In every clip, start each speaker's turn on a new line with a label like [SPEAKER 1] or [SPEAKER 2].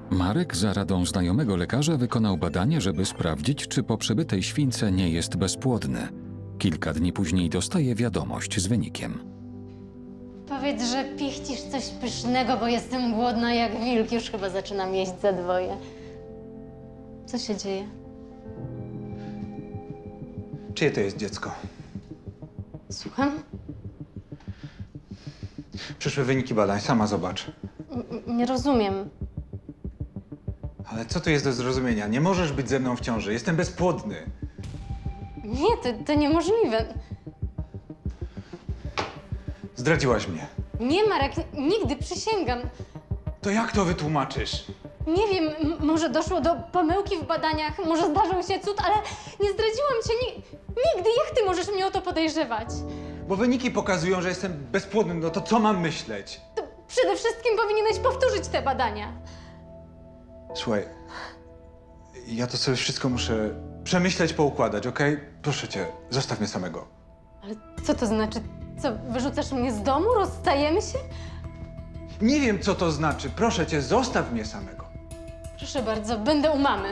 [SPEAKER 1] Marek za radą znajomego lekarza wykonał badanie, żeby sprawdzić, czy po przebytej śwince nie jest bezpłodny. Kilka dni później dostaje wiadomość z wynikiem.
[SPEAKER 2] Powiedz, że pichcisz coś pysznego, bo jestem głodna jak wilk. Już chyba zaczynam jeść za dwoje. Co się dzieje?
[SPEAKER 3] Czyje to jest dziecko?
[SPEAKER 2] Słucham?
[SPEAKER 3] Przyszły wyniki badań, sama zobacz.
[SPEAKER 2] Nie rozumiem.
[SPEAKER 3] Ale co tu jest do zrozumienia? Nie możesz być ze mną w ciąży, jestem bezpłodny.
[SPEAKER 2] Nie, to niemożliwe.
[SPEAKER 3] Zdradziłaś mnie.
[SPEAKER 2] Nie, Marek, nigdy, przysięgam.
[SPEAKER 3] To jak to wytłumaczysz?
[SPEAKER 2] Nie wiem, może doszło do pomyłki w badaniach, może zdarzył się cud, ale nie zdradziłam cię nigdy. Jak ty możesz mnie o to podejrzewać?
[SPEAKER 3] Bo wyniki pokazują, że jestem bezpłodny, no to co mam myśleć?
[SPEAKER 2] To przede wszystkim powinieneś powtórzyć te badania.
[SPEAKER 3] Słuchaj, ja to sobie wszystko muszę przemyśleć, poukładać, okej? Proszę cię, zostaw mnie samego.
[SPEAKER 2] Ale co to znaczy? Co, wyrzucasz mnie z domu? Rozstajemy się?
[SPEAKER 3] Nie wiem, co to znaczy. Proszę cię, zostaw mnie samego.
[SPEAKER 2] Proszę bardzo, będę u mamy.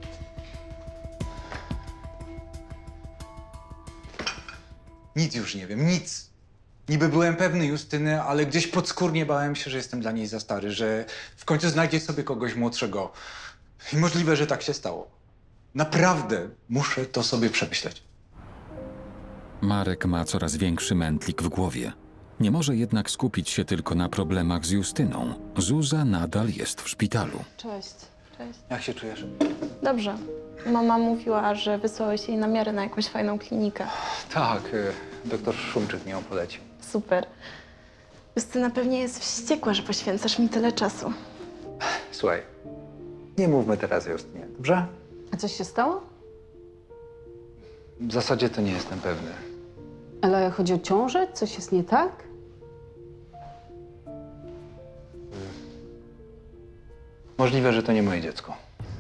[SPEAKER 3] Nic już nie wiem, nic. Niby byłem pewny Justyny, ale gdzieś podskórnie bałem się, że jestem dla niej za stary, że w końcu znajdzie sobie kogoś młodszego. I możliwe, że tak się stało. Naprawdę muszę to sobie przemyśleć.
[SPEAKER 1] Marek ma coraz większy mętlik w głowie. Nie może jednak skupić się tylko na problemach z Justyną. Zuza nadal jest w szpitalu.
[SPEAKER 4] Cześć. Cześć.
[SPEAKER 3] Jak się czujesz?
[SPEAKER 4] Dobrze. Mama mówiła, że wysłałeś jej namiary na jakąś fajną klinikę.
[SPEAKER 3] Tak, doktor Szumczyk mi ją polecił.
[SPEAKER 4] Super. Justyna pewnie jest wściekła, że poświęcasz mi tyle czasu.
[SPEAKER 3] Słuchaj, nie mówmy teraz o Justynie, dobrze?
[SPEAKER 5] A coś się stało?
[SPEAKER 3] W zasadzie to nie jestem pewny.
[SPEAKER 5] Ale chodzi o ciążę? Coś jest nie tak?
[SPEAKER 3] Możliwe, że to nie moje dziecko.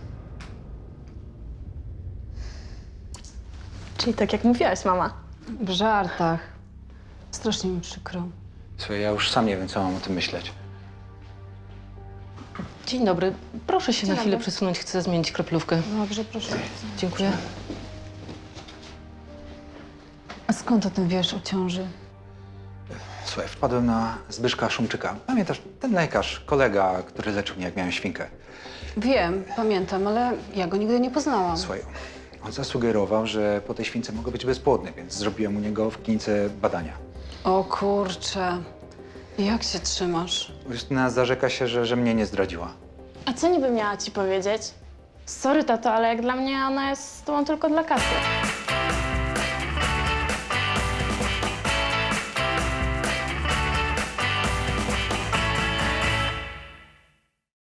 [SPEAKER 4] Czyli tak jak mówiłaś, mama.
[SPEAKER 5] W żartach. Strasznie mi przykro.
[SPEAKER 3] Słuchaj, ja już sam nie wiem, co mam o tym myśleć.
[SPEAKER 6] Dzień dobry. Proszę się
[SPEAKER 4] Dzień
[SPEAKER 6] na chwilę
[SPEAKER 4] dobry.
[SPEAKER 6] przesunąć. Chcę zmienić kroplówkę.
[SPEAKER 5] Dobrze, proszę.
[SPEAKER 6] Dziękuję.
[SPEAKER 5] A skąd o tym wiesz, o ciąży?
[SPEAKER 3] Słuchaj, wpadłem na Zbyszka Szumczyka. Pamiętasz, ten lekarz, kolega, który leczył mnie, jak miałem świnkę.
[SPEAKER 5] Wiem, pamiętam, ale ja go nigdy nie poznałam.
[SPEAKER 3] Słuchaj, on zasugerował, że po tej śwince mogę być bezpłodny, więc zrobiłem u niego w klinice badania.
[SPEAKER 5] O kurczę. Jak się trzymasz?
[SPEAKER 3] Justyna zarzeka się, że mnie nie zdradziła.
[SPEAKER 4] A co niby miała ci powiedzieć? Sorry, tato, ale jak dla mnie ona jest z tobą tylko dla kasy.